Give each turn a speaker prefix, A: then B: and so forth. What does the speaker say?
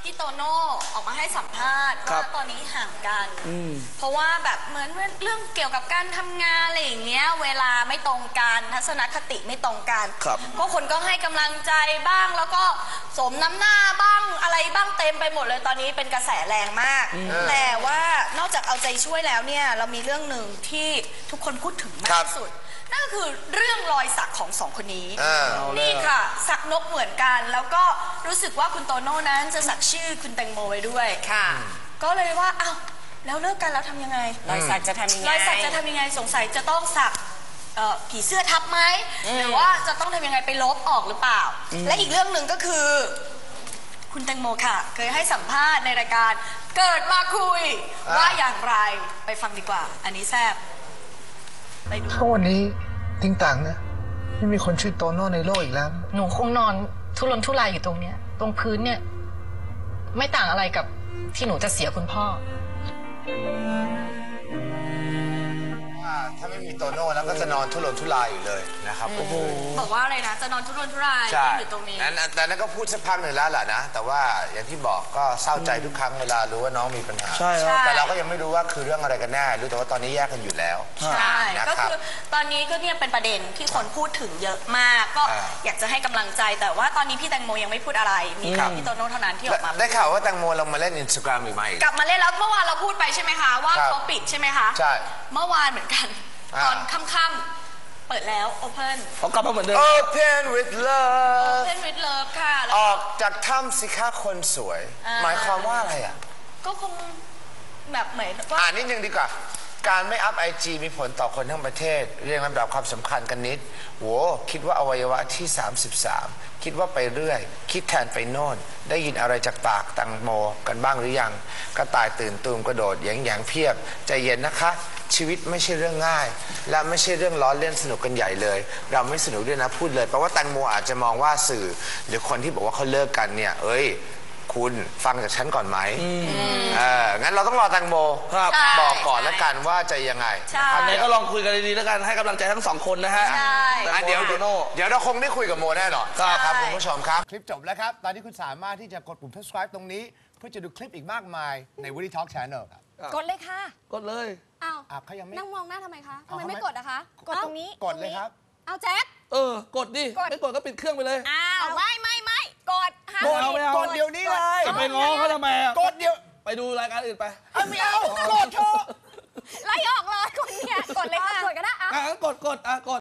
A: พี่โตโน่ออกมาให้สัมภาษณ์ว่าตอนนี้ห่างกันเพราะว่าแบบเหมือนเรื่องเกี่ยวกับการทำงานอะไรอย่างเงี้ยเวลาไม่ตรงกันทัศนคติไม่ตรงกันเพราะคนก็ให้กำลังใจบ้างแล้วก็สมน้ำหน้าบ้างอะไรบ้างเต็มไปหมดเลยตอนนี้เป็นกระแสแรงมากแต่ว่านอกจากเอาใจช่วยแล้วเนี่ยเรามีเรื่องหนึ่งที่ทุกคนพูดถึงมากที่สุดนั่นก็คือเรื่องรอยสักของสองคนนี้นี่ค่ะสักนกเหมือนกันแล้วก็รู้สึกว่าคุณโตโน่นั้นจะสักชื่อคุณแตงโมไว้ด้วยค่ะก็เลยว่าอ้าวแล้วเลิกกันแล้วทำยังไง
B: รอยสักจะทำยังไง
A: รอยสักจะทำยังไงสงสัยจะต้องสักผีเสื้อทับไหมหรือว่าจะต้องทำยังไงไปลบออกหรือเปล่าและอีกเรื่องหนึ่งก็คือคุณแตงโมค่ะเคยให้สัมภาษณ์ในรายการเกิดมาคุยว่าอย่างไรไปฟังดีกว่าอันนี้แซ่บ
C: ช่วงวันนี้ทิ้งต่างเนี่ยไม่มีคนชื่อโตโน่ในโลกอีกแล้ว
D: หนูคงนอนทุรนทุรายอยู่ตรงเนี้ยตรงพื้นเนี่ยไม่ต่างอะไรกับที่หนูจะเสียคุณพ่อ
E: ถ้าไม่มีโตโน่แล้วก็จะนอนทุรนทุรายอยู่เลยนะครับ
A: บอกว่าอะไรนะจะนอนทุรนทุรายอยู่ตรงนี้
E: แต่นั้นก็พูดสักพักหนึ่งแล้วแหละนะแต่ว่าอย่างที่บอกก็เศร้าใจทุกครั้งเวลารู้ว่าน้องมีปัญหา
C: ใช่
E: แต่เราก็ยังไม่รู้ว่าคือเรื่องอะไรกันแน่รู้แต่ว่าตอนนี้แยกกันอยู่แล้ว
A: ใช่ก็คือตอนนี้ก็เนี่ยเป็นประเด็นที่คนพูดถึงเยอะมากก็อยากจะให้กำลังใจแต่ว่าตอนนี้พี่แตงโมยังไม่พูดอะไรมีพี่โตโน่เท่านั้นที่ออกมา
E: ได้ข่าวว่าแตงโมลงมาเล่น Instagram อีกไหม
A: กลับมาเล่นแล้วเมื่อวานเราพูดไปใช่ไหมคะว่าเขาปิดใช่ไหมคะ
E: ใช่
A: เมื่อวานเหมือนกันตอนค่ำๆเปิดแล้ว Open
C: เขากลับมาเหมือนเดิม
E: Open with love
A: Open with love ค่ะ
E: ออกจากถ้ำสิคะคนสวยหมายความว่าอะไรอ่ะ
A: ก็คงแบบเหมือนว่า
E: นิดนึงดีกว่าการไม่อัพ IG มีผลต่อคนทั้งประเทศเรียงลำดับความสำคัญกันนิดโหคิดว่าอวัยวะที่33คิดว่าไปเรื่อยคิดแทนไปโน่นได้ยินอะไรจากปากแตงโมกันบ้างหรือยังกระต่ายตื่นตูมกระโดดแยงเพียบใจเย็นนะคะชีวิตไม่ใช่เรื่องง่ายและไม่ใช่เรื่องล้อเล่นสนุกกันใหญ่เลยเราไม่สนุกด้วยนะพูดเลยเพราะว่าแตงโมอาจจะมองว่าสื่อหรือคนที่บอกว่าเขาเลิกกันเนี่ยคุณฟังจากฉันก่อนไหมงั้นเราต้องรอแตงโมบอกก่อนแล้วกันว่าจะยังไง
C: อันนี้ก็ลองคุยกันดีๆแล้วกันให้กำลังใจทั้งสองคนนะฮะ
E: เดี๋ยวเราคงได้คุยกับโมแน่นอนครับคุณผู้ชมครับคลิปจบแล้วครับตอนนี้คุณสามารถที่จะกดปุ่ม subscribe ตรงนี้เพื่อจะดูคลิปอีกมากมายใน Woody Talk Channel ครับ
F: กดเลยค่ะ
C: กดเลย
E: เขายังไม่
F: นั่งมองหน้าทำไมคะทำไมไม่กดอะคะกดตรงนี้
E: กดเลยครับ
F: เอาแจ็ค
C: กดดิไม่กดก็ปิดเครื่องไปเลย
F: ไม่กด
E: กดเดี๋ยวนี้เลย
C: จะไปง้อเขาทำไม
E: กดเดี๋ยว
C: ไปดูรายการอื่นไป
E: ไม่เอากดเถอะ
F: ไล่ออกเลยคนเนี่ยกดเลยค่ะกดก็ได้
C: กด